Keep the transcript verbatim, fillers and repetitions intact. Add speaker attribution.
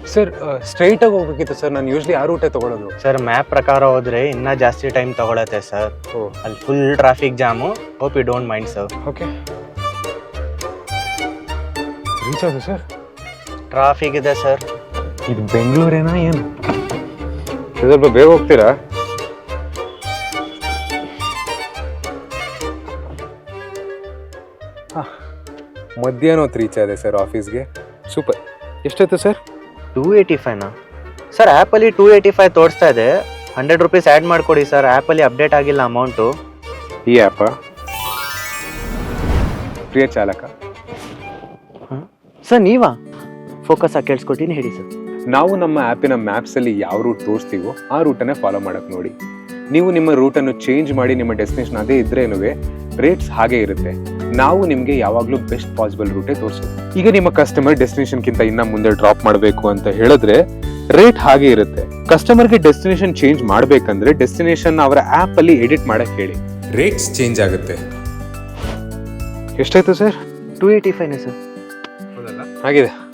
Speaker 1: Sir ಸ್ಟ್ರೈಟಾಗಿ ಹೋಗ್ಬೇಕಿತ್ತು sir, ನಾನು usually ಆ ರೂಟೇ ತೊಗೊಳೋದು.
Speaker 2: ಸರ್ ಮ್ಯಾಪ್ ಪ್ರಕಾರ ಹೋದ್ರೆ ಇನ್ನೂ ಜಾಸ್ತಿ ಟೈಮ್ ತಗೊಳತ್ತೆ ಸರ್.
Speaker 1: ಓ
Speaker 2: ಅಲ್ಲಿ full traffic jam. Hope you don't mind sir.
Speaker 1: Okay, reach ಆಯ್ತು ಸರ್.
Speaker 2: ಟ್ರಾಫಿಕ್ ಇದೆ ಸರ್.
Speaker 1: ಇದು ಬೆಂಗಳೂರೇನಾ ಏನು? ಸ್ವಲ್ಪ ಬೇಗ ಹೋಗ್ತೀರಾ? ಹಾಂ, ಮಧ್ಯಾಹ್ನ ಹೊತ್ತು ರೀಚ್ ಆದೆ ಸರ್ ಆಫೀಸ್ಗೆ. ಸೂಪರ್. ಎಷ್ಟಾಯ್ತು ಸರ್?
Speaker 2: ಟೂ ಏಯ್ಟಿ ಫೈವ್ನಾ ಸರ್? ಆ್ಯಪಲ್ಲಿ ಟೂ ಏಯ್ಟಿ ಫೈವ್ ತೋರಿಸ್ತಾ ಇದೆ. ಹಂಡ್ರೆಡ್ ರುಪೀಸ್ ಆ್ಯಡ್ ಮಾಡಿಕೊಡಿ ಸರ್. ಆ್ಯಪಲ್ಲಿ ಅಪ್ಡೇಟ್ ಆಗಿಲ್ಲ ಅಮೌಂಟು.
Speaker 1: ಈ ಆ್ಯಪ ಪ್ರಿಯ ಚಾಲಕ.
Speaker 2: ಹಾಂ ಸರ್, ನೀವಾ? ಫೋಕಸ್ ಆಗಿ ಕೇಳಿಸ್ಕೊತೀನಿ, ಹೇಳಿ ಸರ್.
Speaker 1: ನಾವು ನಮ್ಮ ಆ್ಯಪಿನ ಮ್ಯಾಪ್ಸಲ್ಲಿ ಯಾವ ರೂಟ್ ತೋರಿಸ್ತೀವೋ ಆ ರೂಟನ್ನೇ ಫಾಲೋ ಮಾಡೋಕ್ಕೆ ನೋಡಿ. ನೀವು ನಿಮ್ಮ ರೂಟನ್ನು ಚೇಂಜ್ ಮಾಡಿ ನಿಮ್ಮ ಡೆಸ್ಟಿನೇಷನ್ ಅದೇ ಇದ್ರೇನು ರೇಟ್ಸ್ ಹಾಗೆ ಇರುತ್ತೆ. ನಾವು ನಿಮಗೆ ಯಾವಾಗಲೂ ಬೆಸ್ಟ್ ಪಾಸಿಬಲ್ ರೂಟೇ ತೋರಿಸೋದು. ಈಗ ನಿಮ್ಮ ಕಸ್ಟಮರ್ ಡೆಸ್ಟಿನೇಷನ್ಗಿಂತ ಇನ್ನ ಮುಂದೆ ಡ್ರಾಪ್ ಮಾಡಬೇಕು ಅಂತ ಹೇಳಿದ್ರೆ ರೇಟ್ ಹಾಗೆ ಇರುತ್ತೆ. ಕಸ್ಟಮರ್ಗೆ ಡೆಸ್ಟಿನೇಷನ್ ಚೇಂಜ್ ಮಾಡಬೇಕಂದ್ರೆ ಡೆಸ್ಟಿನೇಷನ್ ಅವರ ಆ್ಯಪ್ ಅಲ್ಲಿ ಎಡಿಟ್ ಮಾಡಕ್ಕೆ ಹೇಳಿ, ರೇಟ್ಸ್ ಚೇಂಜ್ ಆಗುತ್ತೆ. ಎಷ್ಟಾಯ್ತು ಸರ್?
Speaker 2: ಟೂ ಏಯ್ಟಿ ಫೈವ್ನೇ ಸರ್.
Speaker 1: ಆಗಿದೆ.